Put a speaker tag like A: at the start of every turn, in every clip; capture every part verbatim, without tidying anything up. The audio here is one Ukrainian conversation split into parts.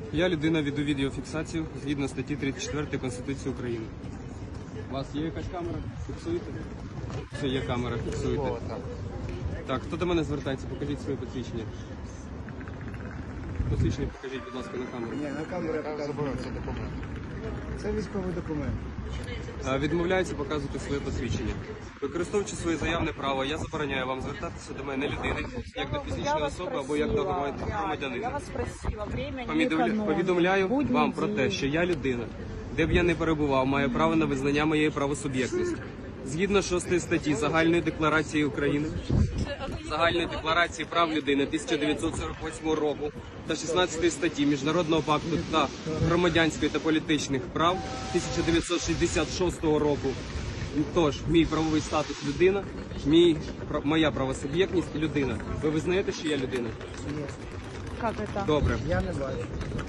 A: Я людина, веду відеофіксацію згідно статті тридцять четвертої Конституції України. У вас є якась камера? Фіксуєте? Все, є камера, фіксуєте. Так, хто до мене звертається? Покажіть своє посвідчення. Посвідчення покажіть, будь ласка, на камеру.
B: Ні, на камеру я показую.
C: Це документ.
B: Це військовий документ.
A: А, Відмовляється показувати своє посвідчення. Використовуючи своє заявне право, я забороняю вам звертатися до мене людини, як до фізичної особи або як до
D: Я
A: громадянина.
D: вас спросила, время не
A: Повідомля-
D: экономим.
A: Повідомляю
D: Будній
A: вам про те,
D: день.
A: що я людина, де б я не перебував, маю право на визнання моєї правосуб'єктності. Згідно шостої статті Загальної декларації України, Загальної декларації прав людини тисяча дев'ятсот сорок восьмого року та шістнадцятої статті Міжнародного пакту та громадянських та політичних прав тисяча дев'ятсот шістдесят шостого року. Тож, мій правовий статус людина, мій, пра- моя правосуб'єктність людина. Ви визнаєте, що я людина?
B: Є.
D: Как это?
A: Добре.
B: Я не бачу.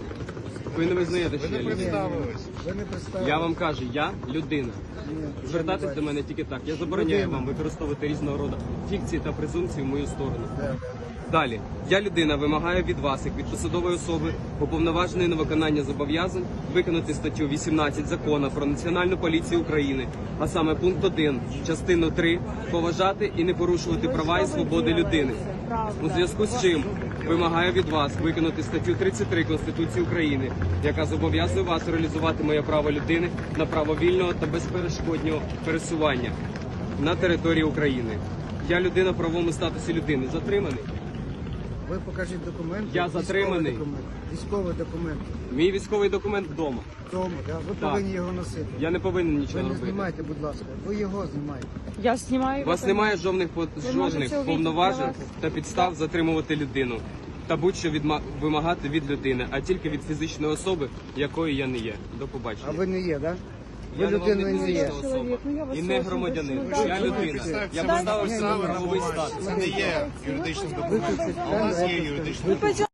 A: Ви не визнаєте, що я людина?
C: Представились.
B: Ви не представили.
A: Я вам кажу, я людина.
B: Ні, я
A: Звертатись
B: не
A: до
B: бачу.
A: мене тільки так. Я забороняю
B: Людина.
A: вам використовувати різного роду фікції та презумпції в мою сторону.
B: Да, да,
A: Далі, я людина вимагаю від вас, як від посадової особи, уповноваженої на виконання зобов'язань, виконати статтю вісімнадцять Закону про Національну поліцію України, а саме пункт один, частину три, поважати і не порушувати права і свободи людини. У зв'язку з чим вимагаю від вас виконати статтю тридцять три Конституції України, яка зобов'язує вас реалізувати моє право людини на право вільного та безперешкодного пересування на території України. Я людина в правовому статусі людини. Затриманий.
B: Ви покажіть документ.
A: Я
B: Військовий
A: затриманий.
B: Документ. Військовий документ.
A: Мій військовий документ вдома.
B: Тому, да? Ви
A: Так.
B: повинні його носити.
A: Я не повинен
B: Ви
A: нічого
B: не
A: робити.
B: знімайте, будь ласка. Ви його знімаєте.
D: Я снимаю.
A: У вас
D: это.
A: немає жодних по-
D: можете
A: жодних
D: увидеть
A: повноважень
D: для вас.
A: та підстав затримувати людину та будь-що відма- вимагати від людини, а тільки від фізичної особи, якою я не є. До побачення.
B: А ви не є, так? Да? Ви
A: Я не вам
B: людиною
A: не
B: не є.
A: фізична особа
D: Чоловік, ну, я вас
A: і не
D: очень
A: громадянин.
D: прошу,
A: Я
D: дайте
A: людина.
C: мені.
A: Я
C: Це
A: поставив
B: ні,
A: себе
B: ні,
A: правовий
C: Це
A: статус.
C: не є юридичним документом.
B: Ви
C: А у вас є юридичний документ.